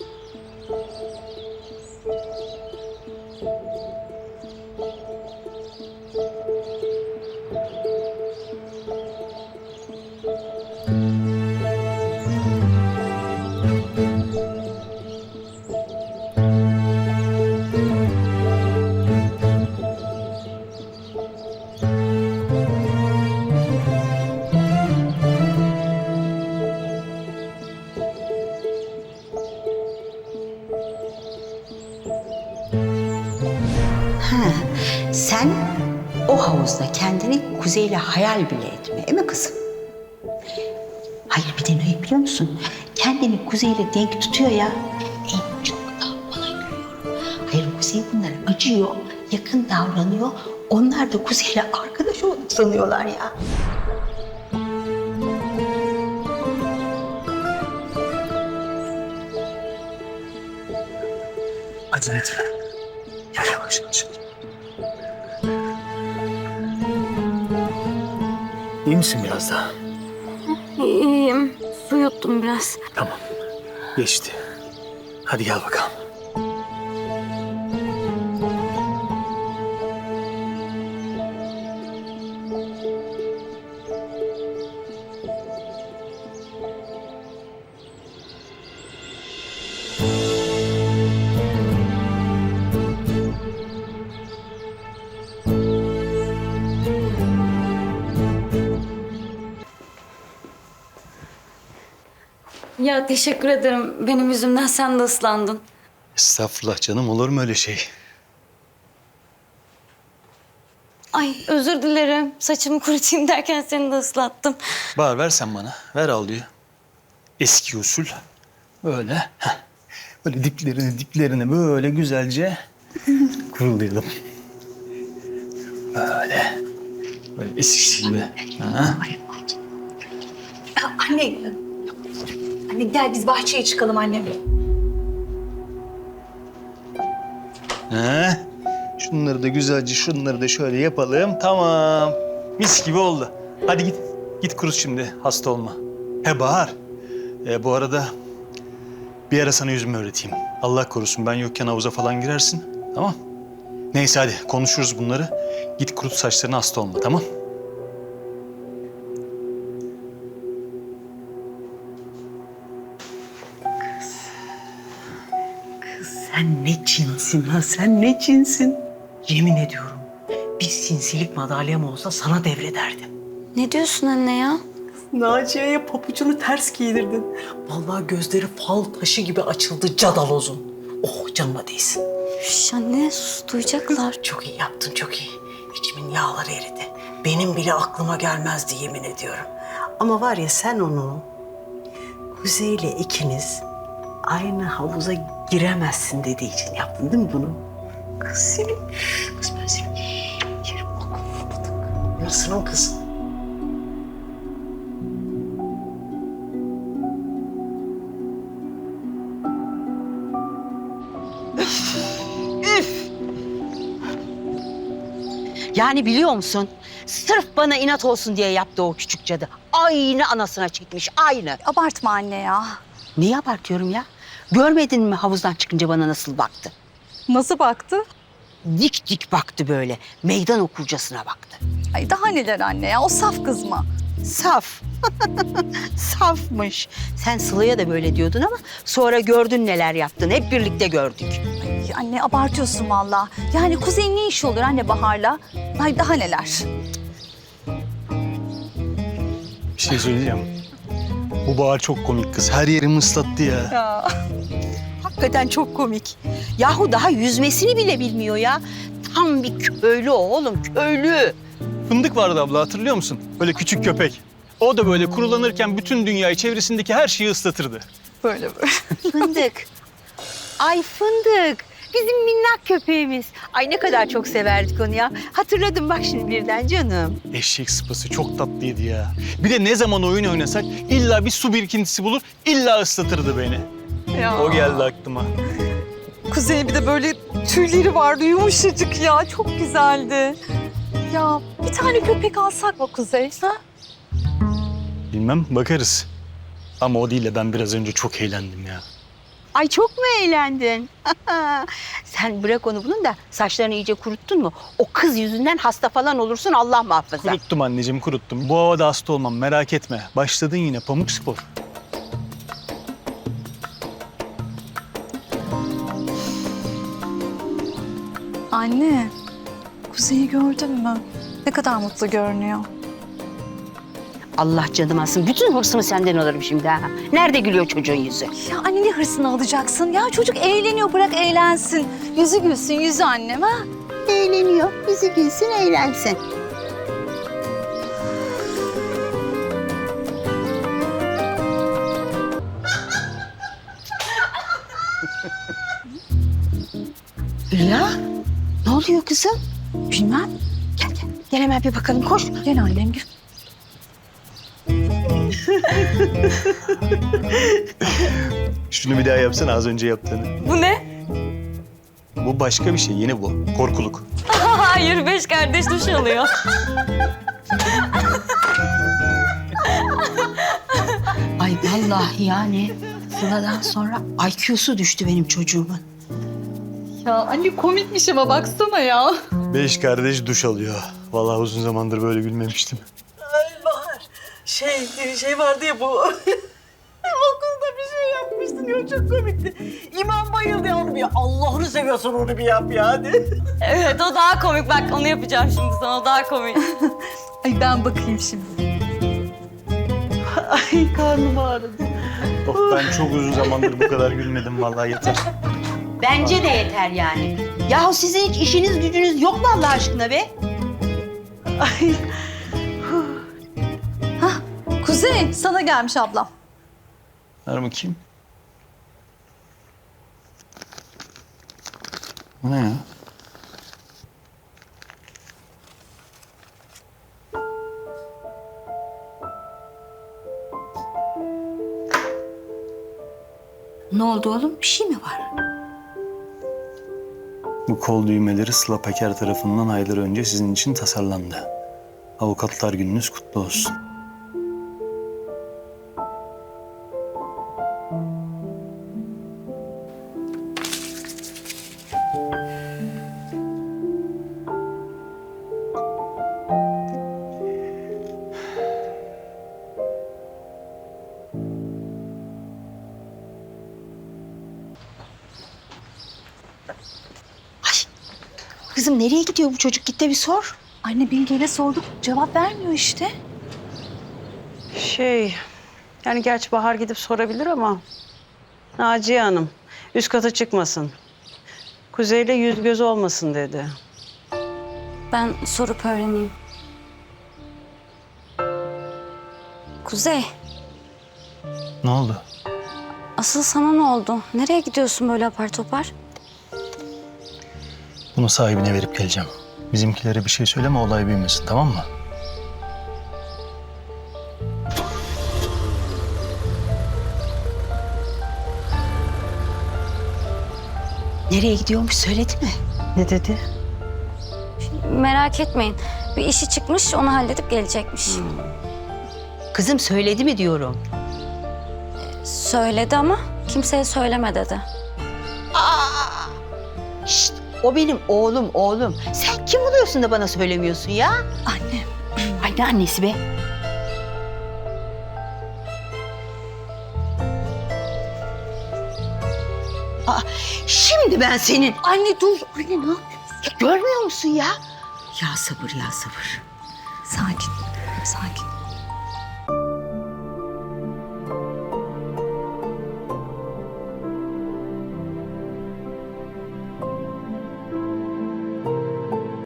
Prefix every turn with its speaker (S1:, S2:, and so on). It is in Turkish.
S1: Sen o havuzda kendini Kuzey'le hayal bile etme, değil mi kızım? Hayır, bir de ne biliyor musun? Kendini Kuzey'le denk tutuyor ya, en çok da bana gülüyorum. Hayır, Kuzey bunlara acıyor, yakın davranıyor. Onlar da Kuzey'le arkadaş olduk sanıyorlar ya.
S2: Acele etme. Gel yavaş yavaş. İyi misin biraz daha?
S3: İyiyim. Su yuttum biraz.
S2: Tamam. Geçti. Hadi gel bakalım.
S3: Ya teşekkür ederim. Benim yüzümden sen de ıslandın.
S2: Estağfurullah canım, olur mu öyle şey?
S3: Ay özür dilerim. Saçımı kurutayım derken seni de ıslattım.
S2: Bağır, ver sen bana. Ver havluyu. Eski usul. Böyle. Heh. Böyle diplerini böyle güzelce kurulayalım. Böyle. Böyle eski gibi. Ha?
S4: Anne. Anne gel biz bahçeye çıkalım annem.
S2: Ha? Şunları da güzelce, şunları da şöyle yapalım. Tamam. Mis gibi oldu. Hadi git. Git kurut şimdi. Hasta olma. He Bahar. Bu arada bir ara sana yüzümü öğreteyim. Allah korusun ben yokken havuza falan girersin. Tamam. Neyse hadi konuşuruz bunları. Git kurut saçlarını, hasta olma, tamam?
S1: Sen ne cinsin ha, sen ne cinsin? Yemin ediyorum, bir sinsilik madalyam olsa sana devrederdim.
S3: Ne diyorsun anne ya?
S5: Naciye'ye papucunu ters giydirdin. Vallahi gözleri fal taşı gibi açıldı cadalozun. Oh canıma değsin.
S3: Şş, anne sus, duyacaklar.
S5: Çok iyi yaptın, çok iyi. İçimin yağları eridi. Benim bile aklıma gelmezdi yemin ediyorum. Ama var ya sen onu Kuzey'le ikiniz aynı havuza giremezsin dediği için yaptın değil mi bunu? Kız seni, kız ben seni yerim bak. Yarısının kızı.
S1: Yani biliyor musun? Sırf bana inat olsun diye yaptı o küçük cadı. Aynı anasına çekmiş, aynı.
S4: Abartma anne ya.
S1: Niye abartıyorum ya? Görmedin mi havuzdan çıkınca bana nasıl baktı?
S4: Nasıl baktı?
S1: Dik dik baktı böyle. Meydan okurcasına baktı.
S4: Ay daha neler anne ya, o saf kız mı?
S1: Saf. Safmış. Sen Sıla'ya da böyle diyordun ama sonra gördün neler yaptın. Hep birlikte gördük.
S4: Ay anne abartıyorsun vallahi. Yani Kuzey'in ne işi olur anne Bahar'la? Ay daha neler?
S2: Bir şey söyleyeceğim. Bu Bahar çok komik kız. Her yerimi ıslattı ya.
S4: Ya.
S1: Hakikaten çok komik. Yahu daha yüzmesini bile bilmiyor ya. Tam bir köylü oğlum, köylü.
S2: Fındık vardı abla, hatırlıyor musun? Böyle küçük köpek. O da böyle kurulanırken bütün dünyayı, çevresindeki her şeyi ıslatırdı.
S4: Böyle.
S1: Fındık. Ay Fındık. Bizim minnak köpeğimiz. Ay ne kadar çok severdik onu ya. Hatırladım bak şimdi birden canım.
S2: Eşek sıpası çok tatlıydı ya. Bir de ne zaman oyun oynasak illa bir su birikintisi bulur, illa ıslatırdı beni.
S4: Ya.
S2: O geldi aklıma.
S4: Kuzey'in bir de böyle tüyleri vardı yumuşacık ya. Çok güzeldi. Ya bir tane köpek alsak mı Kuzey? Ha?
S2: Bilmem, bakarız. Ama o değil de ben biraz önce çok eğlendim ya.
S1: Ay çok mu eğlendin? Sen bırak onu bunun da saçlarını iyice kuruttun mu? O kız yüzünden hasta falan olursun Allah muhafaza.
S2: Kuruttum anneciğim, kuruttum. Bu havada hasta olmam, merak etme. Başladın yine pamuk spor.
S4: Anne, Kuzey'i gördün mü? Ne kadar mutlu görünüyor.
S1: Allah canım alsın. Bütün hırsımı senden alırım şimdi ha. Nerede gülüyor çocuğun yüzü?
S4: Ya anne ne hırsını alacaksın? Ya çocuk eğleniyor, bırak eğlensin. Yüzü gülsün, yüzü annem ha.
S1: Eğleniyor. Yüzü gülsün, eğlensin. Hülya, ne oluyor kızım?
S4: Bilmem.
S1: Gel gel. Gel hemen bir bakalım. Koş.
S4: Gel annem gel.
S2: Şunu bir daha yapsana, az önce yaptığını.
S3: Bu ne?
S2: Bu başka bir şey, yeni bu. Korkuluk.
S3: Hayır, 5 kardeş duş alıyor.
S1: Ay vallahi yani Sıla'dan sonra IQ'su düştü benim çocuğumun.
S4: Ya anne komikmiş ama baksana ya.
S2: 5 kardeş duş alıyor. Vallahi uzun zamandır böyle gülmemiştim.
S5: Ay Bahar, şey vardı ya bu. Okulda bir şey yapmıştın ya, çok komikti. İmam bayıldı ya, onu bir Allah'ını seviyorsan onu bir yap ya hadi.
S3: Evet, o daha komik. Bak onu yapacağım şimdi sana, o daha komik.
S4: Ay ben bakayım şimdi.
S5: Ay karnım ağrıdı.
S2: Oh, ben çok uzun zamandır bu kadar gülmedim, vallahi yeter.
S1: Bence de yeter yani. Yahu sizin hiç işiniz gücünüz yok mu Allah aşkına be?
S5: Ay.
S4: Kuzey sana gelmiş ablam.
S2: Ver bakayım. Bu ne ya?
S1: Ne oldu oğlum? Bir şey mi var?
S2: Bu kol düğmeleri Sıla Peker tarafından aylar önce sizin için tasarlandı. Avukatlar gününüz kutlu olsun.
S1: Kızım nereye gidiyor bu çocuk? Git de bir sor.
S4: Anne Bilge'yle sorduk, cevap vermiyor işte.
S5: Yani gerçi Bahar gidip sorabilir ama Naciye Hanım üst kata çıkmasın. Kuzey'le yüz göz olmasın dedi.
S3: Ben sorup öğreneyim. Kuzey,
S2: Ne oldu?
S3: asıl sana ne oldu? Nereye gidiyorsun böyle apar topar?
S2: Bunu sahibine verip geleceğim. Bizimkilere bir şey söyleme, olay büyümesin, tamam mı?
S1: Nereye gidiyormuş söyledi mi?
S5: Ne dedi?
S3: Merak etmeyin. Bir işi çıkmış, onu halledip gelecekmiş.
S1: Kızım söyledi mi diyorum.
S3: Söyledi ama kimseye söyleme dedi.
S1: Şşt, o benim oğlum. Sen kim oluyorsun da bana söylemiyorsun ya?
S4: Anne.
S1: Ay ne annesi be? Aa, şimdi ben senin...
S4: Anne dur. Anne ne yapıyorsun?
S1: Görmüyor musun ya? Ya sabır ya sabır.
S4: Sakin.